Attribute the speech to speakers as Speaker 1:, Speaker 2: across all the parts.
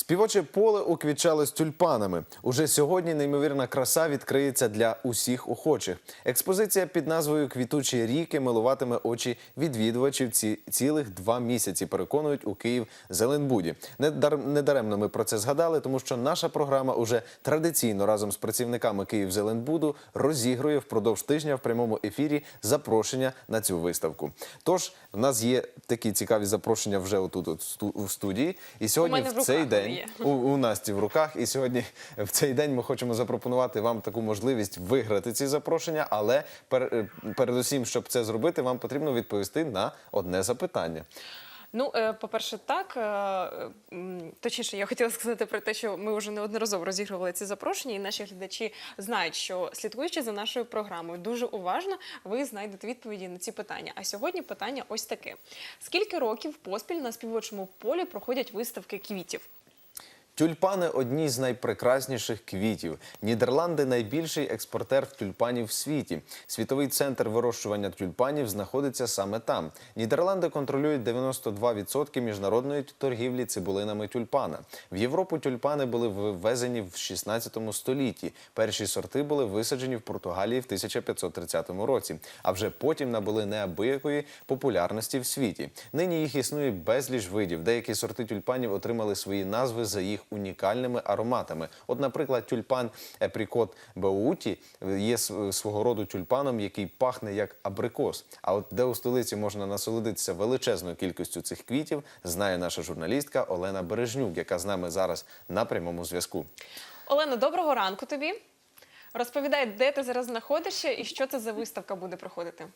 Speaker 1: Співоче поле уквітчалось тюльпанами. Уже сьогодні неймовірна краса відкриється для усіх охочих. Експозиція під назвою «Квітучі ріки» милуватиме очі відвідувачів цілих 2 місяці, переконують у Київ-Зеленбуді. Недаремно ми про це згадали, тому що наша програма уже традиційно разом з працівниками Київ-Зеленбуду розігрує впродовж тижня в прямому ефірі запрошення на цю виставку. Тож, в нас є такі цікаві запрошення вже отут у студії. І сьогодні в цей день у Насті в руках. І сьогодні в цей день ми хочемо запропонувати вам таку можливість виграти ці запрошення, але передусім, щоб це зробити, вам потрібно відповісти на одне запитання.
Speaker 2: Ну, по-перше, так. Точніше, я хотіла сказати про те, що ми вже неодноразово розігрували ці запрошення, і наші глядачі знають, що слідкуючи за нашою програмою дуже уважно, ви знайдете відповіді на ці питання. А сьогодні питання ось таке. Скільки років поспіль на співочому полі проходять виставки квітів?
Speaker 1: Тюльпани – одні з найпрекрасніших квітів. Нідерланди – найбільший експортер тюльпанів в світі. Світовий центр вирощування тюльпанів знаходиться саме там. Нідерланди контролюють 92% міжнародної торгівлі цибулинами тюльпана. В Європу тюльпани були ввезені в 16 столітті. Перші сорти були висаджені в Португалії в 1530 році, а вже потім набули неабиякої популярності в світі. Нині їх існує безліч видів. Деякі сорти тюльпанів отримали свої назви за їх унікальними ароматами. От, наприклад, тюльпан Епрікот Беуті є свого роду тюльпаном, який пахне як абрикос. А от де у столиці можна насолодитися величезною кількістю цих квітів, знає наша журналістка Олена Бережнюк, яка з нами зараз на прямому зв'язку.
Speaker 2: Олена, доброго ранку тобі. Розповідай, де ти зараз знаходишся і що це за виставка буде проходити?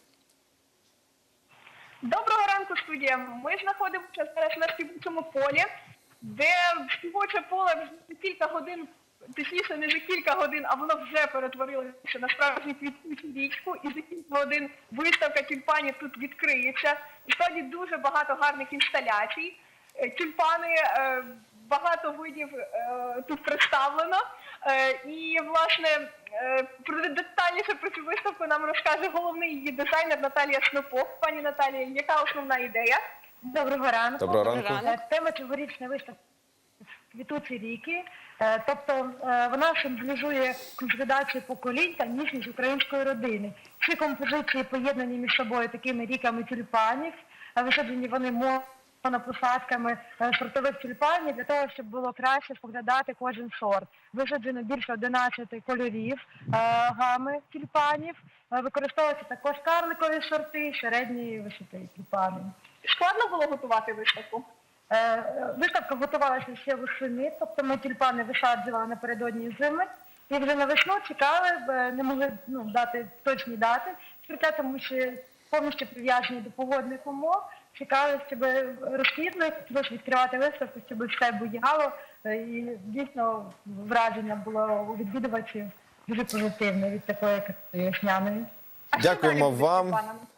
Speaker 3: Доброго ранку, студія. Ми знаходимося зараз на співочому полі, де співоче поле вже кілька годин, точніше не за кілька годин, а воно вже перетворилося на справжню квітучу річку, і за кілька годин виставка тюльпанів тут відкриється. І справді дуже багато гарних інсталяцій. Тюльпани, багато видів тут представлено. І, власне, детальніше про цю виставку нам розкаже головний її дизайнер Наталія Снопов. Пані Наталія, яка основна ідея?
Speaker 4: Доброго ранку.
Speaker 1: Доброго ранку.
Speaker 4: Тема цьогорічної виставки «Квітучі ріки». Тобто вона символізує консолідацію поколінь та ніжність української родини. Всі композиції поєднані між собою такими ріками тюльпанів. Висаджені вони монопосадками сортових тюльпанів для того, щоб було краще споглядати кожен сорт. Висаджено більше 11 кольорів гами тюльпанів. Використовуються також карликові сорти, середньої висоти тюльпани.
Speaker 3: Складно було готувати виставку?
Speaker 4: Виставка готувалася ще восени, тобто ми тюльпани висаджували напередодні зими. І вже на весну чекали, не могли дати точні дати, тому що повністю прив'язані до погодних умов. Чекали, щоб розквітли, хотілося відкривати виставку, щоб все буяло. І дійсно враження було у відвідувачів дуже позитивне від такої весняної.
Speaker 1: Дякуємо вам.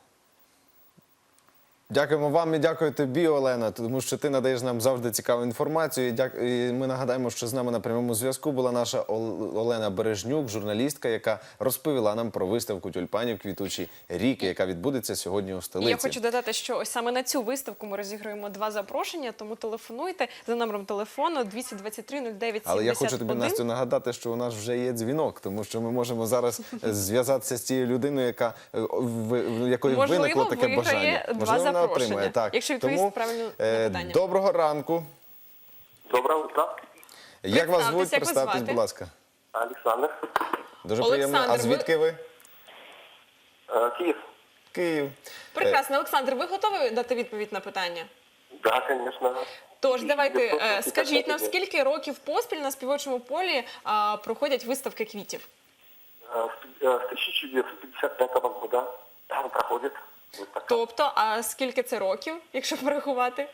Speaker 1: Дякуємо вам і дякую тобі, Олена, тому що ти надаєш нам завжди цікаву інформацію. І ми нагадаємо, що з нами на прямому зв'язку була наша Олена Бережнюк, журналістка, яка розповіла нам про виставку тюльпанів «Квітучі ріки», яка відбудеться сьогодні у столиці.
Speaker 2: Я хочу додати, що ось саме на цю виставку ми розіграємо 2 запрошення, тому телефонуйте за номером телефону 223 09 71.
Speaker 1: Але я хочу тобі, Настю, нагадати, що у нас вже є дзвінок, тому що ми можемо зараз зв'язатися з цією людиною, в якої виникло таке бажання.
Speaker 2: Можливо,
Speaker 1: отримає. Так.
Speaker 2: Якщо відповісти правильно на питання.
Speaker 1: Доброго ранку.
Speaker 5: Доброго утра.
Speaker 1: Як вас звуть?
Speaker 2: Як вас
Speaker 1: Представтесь,
Speaker 2: звати?
Speaker 1: будь ласка.
Speaker 5: Александр.
Speaker 1: Дуже
Speaker 2: Олександр,
Speaker 1: приємно. А звідки ви?
Speaker 5: Киев.
Speaker 1: Київ.
Speaker 2: Прекрасно. Олександр, ви готові дати відповідь на питання?
Speaker 5: Да, конечно.
Speaker 2: Тож, давайте,
Speaker 5: 950
Speaker 2: скажіть нам,
Speaker 5: людей.
Speaker 2: скільки років поспіль на співочому полі проходять виставки квітів?
Speaker 5: С 1955 года там проходит выставка.
Speaker 2: Тобто, а скільки це років, якщо порахувати?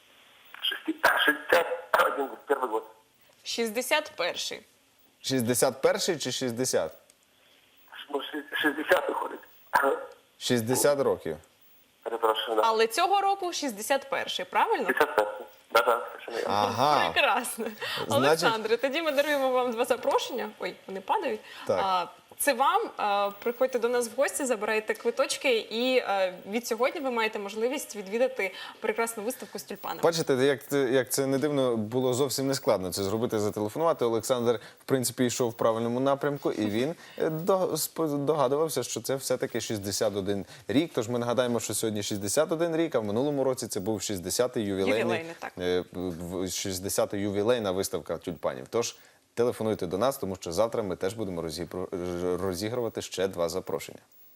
Speaker 5: 61 первый год.
Speaker 2: 61-й.
Speaker 1: 61-й чи 60?
Speaker 5: Ну, 60 выходит.
Speaker 1: 60 років.
Speaker 5: Перепрошую, да.
Speaker 2: Але цього року 61-й, правильно?
Speaker 5: 55. Да, совершенно верно.
Speaker 1: Ага.
Speaker 2: Прекрасно.
Speaker 1: Значить-
Speaker 2: Олександре, тоді ми даруємо вам 2 запрошення. Ой, вони падають.
Speaker 1: Так.
Speaker 2: це вам. Приходьте до нас в гості, забирайте квиточки, і від сьогодні ви маєте можливість відвідати прекрасну виставку з тюльпанами.
Speaker 1: Бачите, як це не дивно, було зовсім не складно це зробити, зателефонувати. Олександр, в принципі, йшов в правильному напрямку, і він догадувався, що це все-таки 61 рік. Тож ми нагадаємо, що сьогодні 61 рік, а в минулому році це був 60-й
Speaker 2: Ювілейний, так.
Speaker 1: 60-та ювілейна виставка тюльпанів. Тож телефонуйте до нас, тому що завтра ми теж будемо розігрувати ще 2 запрошення.